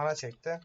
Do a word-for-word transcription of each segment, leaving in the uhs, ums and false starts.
Bana çekti.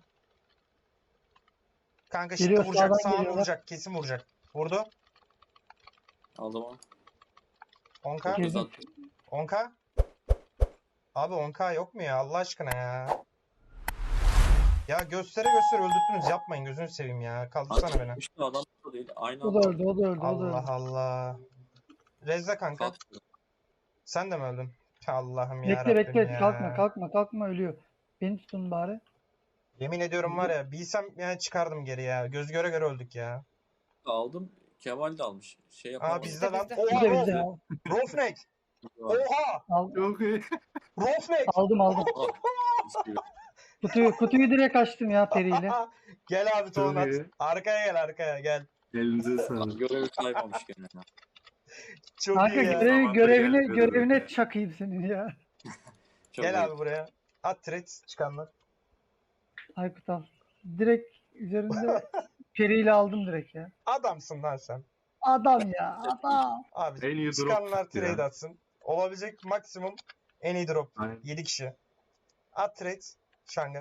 Kanka şimdi Geliyor, vuracak. sağdan Sağını geliyorlar. vuracak. Kesin vuracak. Vurdu. Aldım onu. on K. Girdim. dokuz attım. on K. Abi on K yok mu ya? Allah aşkına ya. Ya göstere göstere öldürttünüz. Yapmayın gözünü seveyim ya. Kaldırsana beni. İşte adam da değil. Aynı O da anda öldü, o da öldü, o da Allah öldü. Allah. Rezza kanka. kalktı. Sen de mi öldün? Allah'ım ya Bekle Rabbim bekle, ya. kalkma kalkma kalkma, ölüyor. Beni tutun bari. Yemin ediyorum var ya, bilsem yani çıkardım geri ya. Göz göre göre öldük ya. Aldım. Kemal de almış. Şey Aa yapamadım. bizde lan. bizde. Oha Bize Rof. bize. Rofnek. Var. Oha. Al, Çok iyi. Rofnek. aldım aldım. Ah, mis gibi. Kutuyu, kutuyu direkt açtım ya periyle. Gel abi Çok Tolunat. iyi. Arkaya gel arkaya gel. Elinize Lan sağlık. görevi kaymamış gene. ya. Çok Kanka iyi ya. görev, Zamanında görevine, geldi, görevine evet. çakayım senin ya. Çok Gel iyi. abi buraya. At threads çıkanlar. Aykut al. Direkt üzerinde periyle aldım direkt ya. Adamsın lan sen. Adam ya, adam. Abi En iyi drop çıkanlar çıktı ya. trade atsın. Olabilecek maksimum en iyi drop. Aynen. yedi kişi. At trades. Şanga.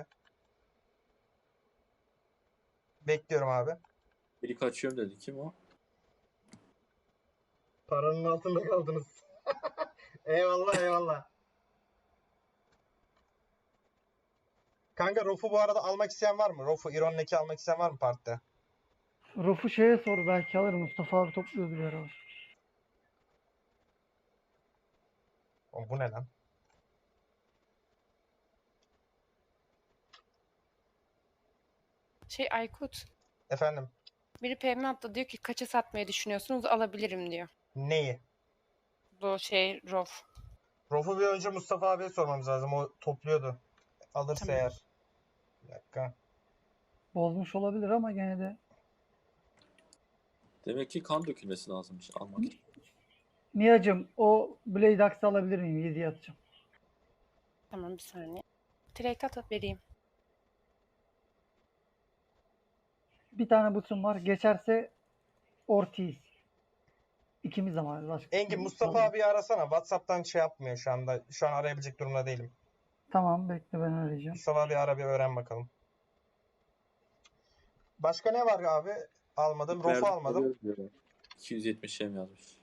Bekliyorum abi. Biri kaçıyorum dedi. Kim o? Paranın altında kaldınız. Eyvallah eyvallah. Kanka Rof'u bu arada almak isteyen var mı? Rof'u Iron'daki almak isteyen var mı partide? Rof'u şeye sor, belki alır. Mustafa abi topluyordu bir ara. O bu ne lan? Şey Aykut. Efendim Biri P M attı, diyor ki kaça satmayı düşünüyorsunuz, alabilirim diyor. neyi? Bu şey Rof. Rof'u bir önce Mustafa abiye sormamız lazım. O topluyordu. Alırsa Tamam. eğer. Bir dakika. Bozmuş olabilir ama gene de. Demek ki kan dökülmesi lazımmış almak için. Niacım, o Blade Axe alabilir miyim? yediye atacağım. Tamam bir saniye. Trade at vereyim. Bir tane butum var. Geçerse Ortiz. İkimiz ama başka. Engin Mustafa abiyi arasana. WhatsApp'tan şey yapmıyor şu anda. Şu an arayabilecek durumda değilim. Tamam, bekle, ben arayacağım. Mustafa abi ara bir öğren bakalım. Başka ne var abi? Almadım. Rof'u Verdik almadım. alıyoruz diyor. iki yüz yetmiş şey mi yazmış?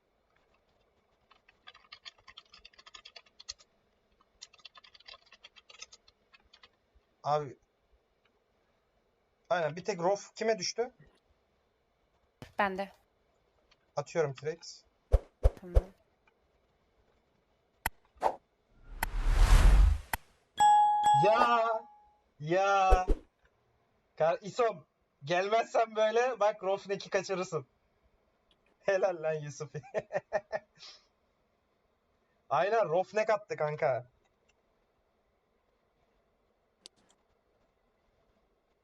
Abi. Aynen bir tek Rof kime düştü? Ben de. Atıyorum trades. Tamam. Ya ya Kar İsom gelmezsen böyle bak Rofnek'i kaçırırsın. Helal lan Yusuf. Aynen Rofnek attı kanka.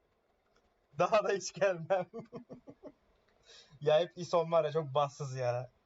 Daha da hiç gelmem. Ya hep İsom var ya çok bahtsız ya.